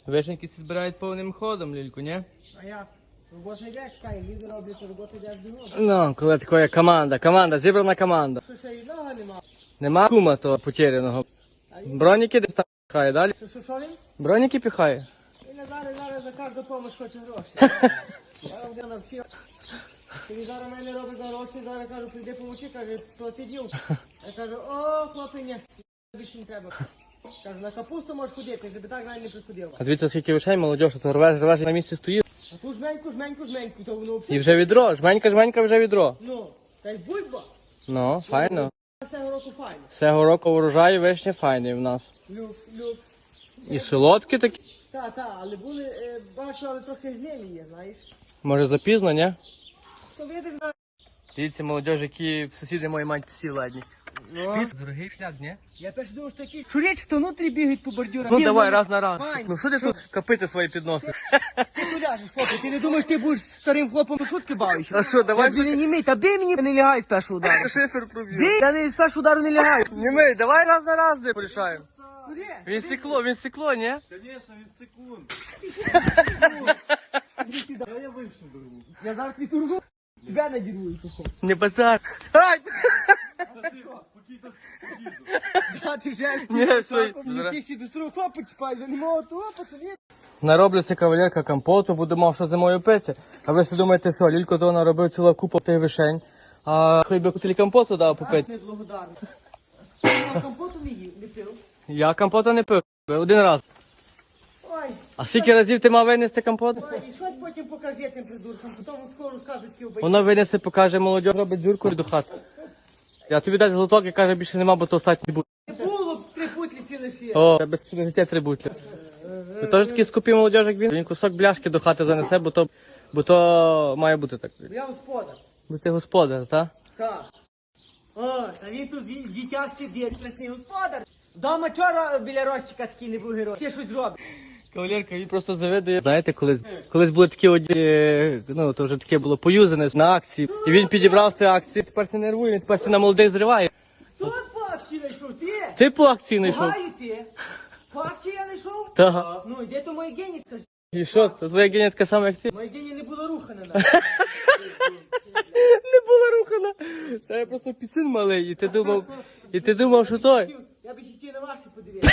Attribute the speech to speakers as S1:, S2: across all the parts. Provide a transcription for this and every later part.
S1: Вишеньки всі збирають повним ходом, Лільку, ні?
S2: А як? Робота йде, чекай, люди роблять, робота йде бігом.
S1: Ну, коли така команда, зібрана команда.
S2: Що ще одного нема?
S1: Нема кума того потеряного. Броніки десь там піхає, далі?
S2: Що він?
S1: Броніки піхає.
S2: Він зараз за кожну допомогу хоче гроші. Я вже навчив. Він зараз мене робить за гроші, зараз кажу, прийди помочи, каже, плати дівку. Я кажу, о, хлопиня, більше не треба. Кажу, на капусту можеш ходити, щоб так навіть не приходив.
S1: А дивіться, скільки вишень, молодь, то рвеш на місці стоїть.
S2: А ту жменьку, то воно
S1: І вже відро, жменька вже відро.
S2: Ну, та й бульба.
S1: Ну, файно.
S2: Цього року файно.
S1: Цього року урожай вишні файний в нас.
S2: Люк.
S1: І солодкі такі.
S2: Та, але були, бачу, але трохи гнилі є, знаєш.
S1: Може запізно, ні?
S2: То видиш, на...
S1: Дивіться, молодь, які сусіди мої мають псі ладні. Шпіц, дорогий шлях, ні?
S2: Я теж думав, що такі чуречі, то внутрі бігають по бордюрах.
S1: Ну
S2: Ні,
S1: давай,
S2: вони-
S1: раз на раз.
S2: Вань,
S1: Ну що ти тут копити свої підноси?
S2: Ти тут ляжеш, хлопець, ти не думаєш, ти будеш старим хлопом шутки бавиш?
S1: А що, давай
S2: Я не німей, та бий мені, не лягай з першого удару.
S1: шифер проб'ю.
S2: Бий, я не з першого удару не лягаю.
S1: Німей, давай раз на раз не порішаємо.
S2: Куди?
S1: Він сікло, ні?
S3: Конечно, він секунд.
S2: Іди сюди. Я вийшов дорогу. Я зараз підурву, тебе надірвую, що хочеш.
S1: Не базар. Ай!
S2: Да, ти вже
S1: Ні, все.
S2: Ти всі до старого хлопа чіпаєш, я не можу того, пацани.
S1: Нароблюся кавалерка компоту, буду мав що зимою пити. А ви собі думаєте, що Лілько то наробив ціла купа тих вишень, а хліб кутилі компоту дав попити.
S2: Не благодарний. Я компоту не їв, не пив.
S1: Я компота не пив, один раз.
S2: Ой,
S1: А скільки разів ти мав винести компот?
S2: ой, і щось потім покажи тим придуркам, потім скоро розкажуть такі обидні.
S1: Воно винесе, покаже, молодь робить дзюрку до хати. Я тобі дай золоток і каже, більше нема, бо то остатній буде.
S2: Не було три путлі лише.
S1: О, я без життя три бутлі. Ви теж такі скупі молодь, як він? Він кусок бляшки до хати занесе, бо то має бути так.
S2: Я господар.
S1: Бо ти господар, так?
S2: Так. О, та він тут в дітях сидить, страшний господар. Дома вчора біля розчика такий не був герой. Ти щось зробиш.
S1: Кавалерка, він просто завидує. Знаєте, колись були такі ну, то вже таке було поюзане на акції. І він підібрав ці акції, тепер це нервує, він тепер це на молодих зриває.
S2: Хто по акції знайшов? Ти?
S1: Ти по акції знайшов?
S2: Пугаю ти. По акції я знайшов?
S1: Так.
S2: Ну, де то моє гені, скажи.
S1: І що, то твоя геня така сама, як ти?
S2: Моє гені не було рухане.
S1: Не була рухана. Та я просто пісин малий, і ти думав, що той.
S2: Я би ще ті на ваші подивився.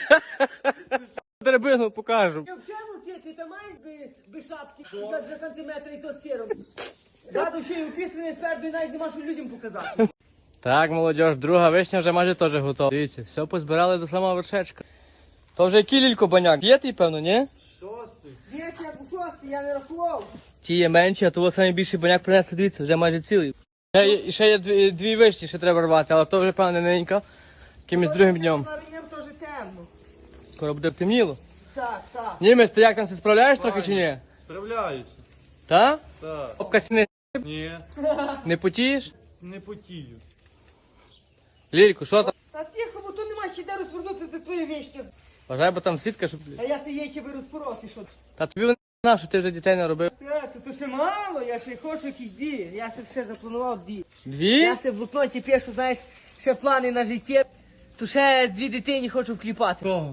S1: Драбину покажу.
S2: Я вчора ти там маєш би шапки за 2 сантиметри і то з сіром. Ззаду ще й уписаний спереду і навіть нема що людям показати.
S1: Так, молодь, друга вишня вже майже теж готова. Дивіться, все позбирали до самого вершечка. То вже який Лілько баняк? Є ти, певно, ні?
S2: Ні, я по шостий, я не рахував.
S1: Ті є менші, а того найбільший баняк принесли, дивіться, вже майже цілий. І ще є дві вишні, ще треба рвати, але то вже, певно, ненька. Якимось другим днем.
S2: Зараз їм теж темно.
S1: Скоро буде темніло.
S2: Так, так.
S1: Німець, ти як там, ти справляєш трохи чи ні?
S3: Справляюся.
S1: Та?
S3: Так.
S1: Обкасіни
S3: Ні,
S1: не потієш?
S3: не потію.
S1: Лілько, що там?
S2: Та тихо, бо тут нема ще де розвернути за твої вещки.
S1: Бажай, бо там сітка, щоб...
S2: А я це яйця би розпороти, що.
S1: Та тобі не знав, що ти вже дітей не робив.
S2: То ще мало, я ще хочу якісь дії. Я це ще запланував дії.
S1: Дві?
S2: Я се в блокноті пишу, знаєш, ще плани на життя. То ще з 2 дитині хочу вкліпати.
S1: Кого?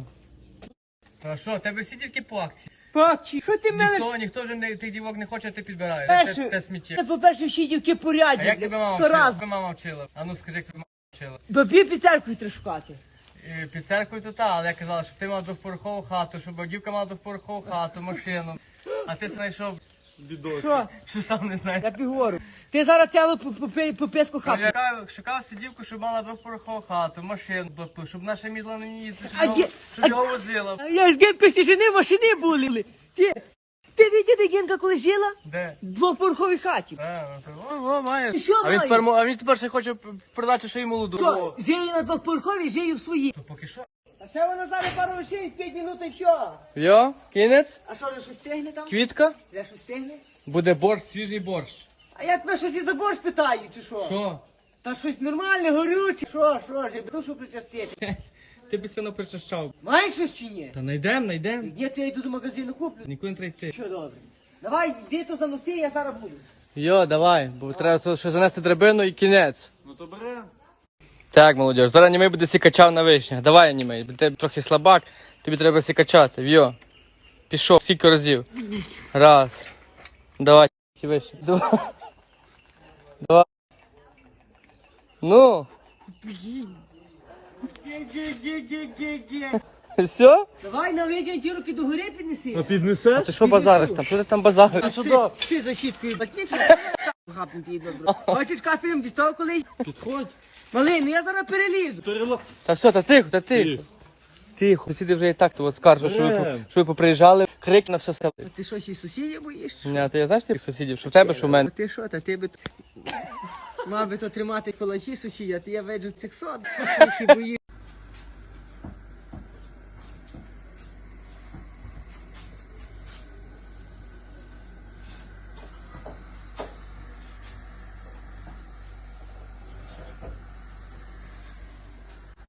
S1: А що, тебе всі тільки по акції?
S2: Папчі, що ти мене?
S1: Ніхто вже тих дівок не хоче, ти підбираєш.
S2: Перше,
S1: Те сміття.
S2: Це, по-перше, всі дівки порядні.
S1: А як тебе мама
S2: 100
S1: вчила?
S2: раз.
S1: Тебе мама вчила. А ну скажи, як тебе мама вчила.
S2: Бабі під церквою треба шукати.
S1: Під церквою то та, але я казала, щоб ти мав двохповерхову хату, щоб дівка мала двохповерхову хату, машину. А ти знайшов,
S3: Бідос.
S2: Що?
S1: сам не знаєш.
S2: Я тобі говорю. Ти зараз цілу по песку хату.
S1: Я шукав сидівку, щоб мала двохповерхову хату, машину, щоб наша мідла не їздила,
S2: А де-
S1: щоб його возила.
S2: А я з Генкою сіжини машини були. Ти видів, де Генка коли жила?
S1: Де?
S2: В двохповерховій хаті.
S1: О, маєш.
S2: І що
S1: А він
S2: має?
S1: а він тепер ще хоче продати ще й молоду.
S2: Що, жию на двохповерховій, жию в своїй.
S1: То поки що.
S2: А ще вона зараз пару вишень, 5 минут і все.
S1: Йо, кінець,
S2: А що, вже щось стигне там?
S1: квітка,
S2: Вже щось стигне?
S1: буде борщ, свіжий борщ.
S2: А я тебе щось і за борщ питаю, чи що?
S1: Що?
S2: Та щось нормальне, горюче. Що, же, душу причастити.
S1: Ти б сильно причащав.
S2: Маєш щось чи ні?
S1: Та найдем.
S2: Ні, то я йду до магазину куплю.
S1: Нікуди не треба йти.
S2: Що добре? Давай, йди то заноси, я зараз буду.
S1: Йо, давай, бо треба тут ще занести драбину і кінець.
S3: Ну то бере.
S1: Так, молодь, зараз німей буде сікачав на вишнях. Давай, німей, ти трохи слабак, тобі треба сікачати, вйо. Пішов, скільки разів. Раз. Давай, вище. Два. Два. Ну.
S2: Ге-ге-ге-ге-ге-ге.
S1: Все?
S2: Давай на вигін ті руки до гори піднеси.
S3: А піднесеш?
S1: Ти що базариш там? Що ти там базариш?
S2: А ти за щіткою батнічок гапнути її добро. Хочеш кафелем дістав колись?
S3: Підходь.
S2: Малий, ну я зараз перелізу.
S1: Та все, та тихо, та тихо. Тихо, сусіди вже і так то скаржу, що ви поприїжджали, крик на все село.
S2: А ти що, ще сусідів боїш?
S1: Ні, ти знаєш тих сусідів, що в тебе, що в мене?
S2: А ти що, та ти би... Мав би то тримати кулачі сусідя, ти я веджу цих сот. Ти ще боїш.